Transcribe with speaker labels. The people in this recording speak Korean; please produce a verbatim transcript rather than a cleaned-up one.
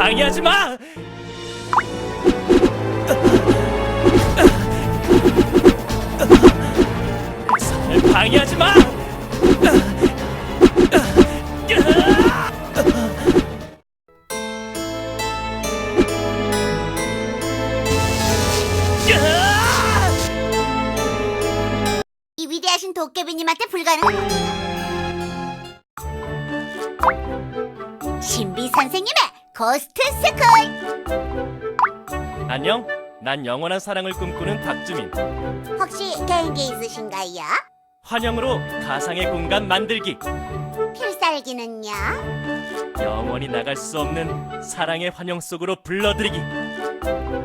Speaker 1: 방해하지 마! 상을 방해하지 마!
Speaker 2: 이 위대하신 도깨비님한테 불가능한 신비 선생님의 고스트 스쿨.
Speaker 1: 안녕, 난 영원한 사랑을 꿈꾸는 박주민.
Speaker 2: 혹시 개인기 있으신가요?
Speaker 1: 환영으로 가상의 공간 만들기.
Speaker 2: 필살기는요?
Speaker 1: 영원히 나갈 수 없는 사랑의 환영 속으로 불러들이기.